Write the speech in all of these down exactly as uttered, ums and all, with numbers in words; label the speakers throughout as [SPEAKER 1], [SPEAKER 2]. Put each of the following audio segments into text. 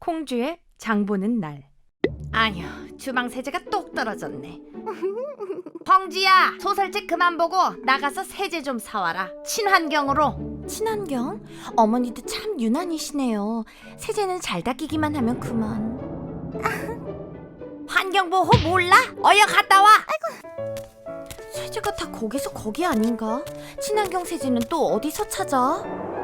[SPEAKER 1] 홍주의 장보는 날. 아휴, 주방 세제가 똑 떨어졌네. 황지야, 소설책 그만 보고 나가서 세제 좀 사와라. 친환경으로.
[SPEAKER 2] 친환경? 어머니도 참 유난이시네요. 세제는 잘 닦이기만 하면 그만.
[SPEAKER 1] 환경보호 몰라? 어여 갔다 와.
[SPEAKER 2] 세제가 다 거기서 거기 아닌가? 친환경 세제는 또 어디서 찾아?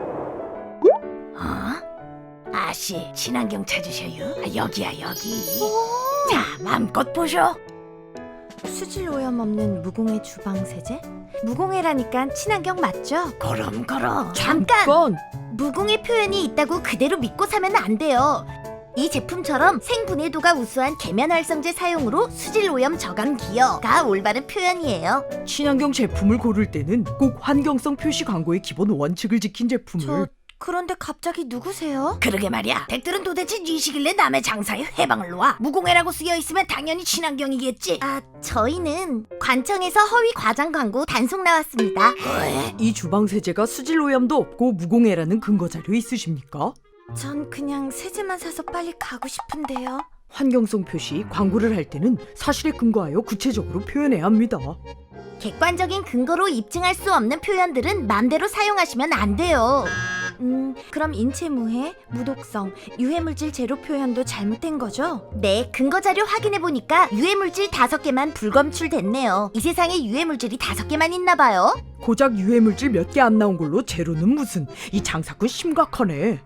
[SPEAKER 1] 어? 아씨, 친환경 찾으셔요? 아, 여기야 여기. 자, 맘껏 보쇼.
[SPEAKER 2] 수질 오염 없는 무공해 주방 세제? 무공해라니까 친환경 맞죠?
[SPEAKER 1] 그럼 그럼.
[SPEAKER 2] 잠깐! 무공해 표현이 있다고 그대로 믿고 사면 안 돼요. 이 제품처럼 생분해도가 우수한 계면활성제 사용으로 수질 오염 저감 기여가 올바른 표현이에요.
[SPEAKER 3] 친환경 제품을 고를 때는 꼭 환경성 표시 광고의 기본 원칙을 지킨 제품을.
[SPEAKER 2] 저 그런데 갑자기 누구세요?
[SPEAKER 1] 그러게 말이야. 댁들은 도대체 니시길래 남의 장사에 해방을 놓아? 무공해라고 쓰여있으면 당연히 친환경이겠지.
[SPEAKER 2] 아, 저희는 관청에서 허위 과장 광고 단속 나왔습니다.
[SPEAKER 1] 왜?
[SPEAKER 3] 이 주방 세제가 수질 오염도 없고 무공해라는 근거 자료 있으십니까?
[SPEAKER 2] 전 그냥 세제만 사서 빨리 가고 싶은데요.
[SPEAKER 3] 환경성 표시 광고를 할 때는 사실에 근거하여 구체적으로 표현해야 합니다.
[SPEAKER 2] 객관적인 근거로 입증할 수 없는 표현들은 맘대로 사용하시면 안 돼요. 음, 그럼 인체무해, 무독성, 유해물질 제로 표현도 잘못된 거죠? 네, 근거 자료 확인해 보니까 유해물질 다섯 개만 불검출됐네요. 이 세상에 유해물질이 다섯 개만 있나 봐요.
[SPEAKER 3] 고작 유해물질 몇 개 안 나온 걸로 제로는 무슨. 이 장사꾼 심각하네.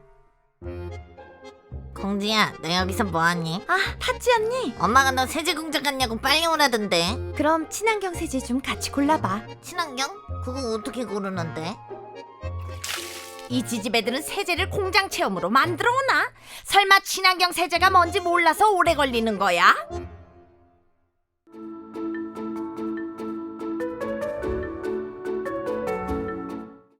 [SPEAKER 4] 공지야, 너 여기서 뭐하니?
[SPEAKER 2] 아, 팥지 언니.
[SPEAKER 4] 엄마가 너 세제 공장 갔냐고 빨리 오라던데.
[SPEAKER 2] 그럼 친환경 세제 좀 같이 골라봐.
[SPEAKER 4] 친환경? 그거 어떻게 고르는데?
[SPEAKER 1] 이 지지배들은 세제를 공장 체험으로 만들어 오나? 설마 친환경 세제가 뭔지 몰라서 오래 걸리는 거야?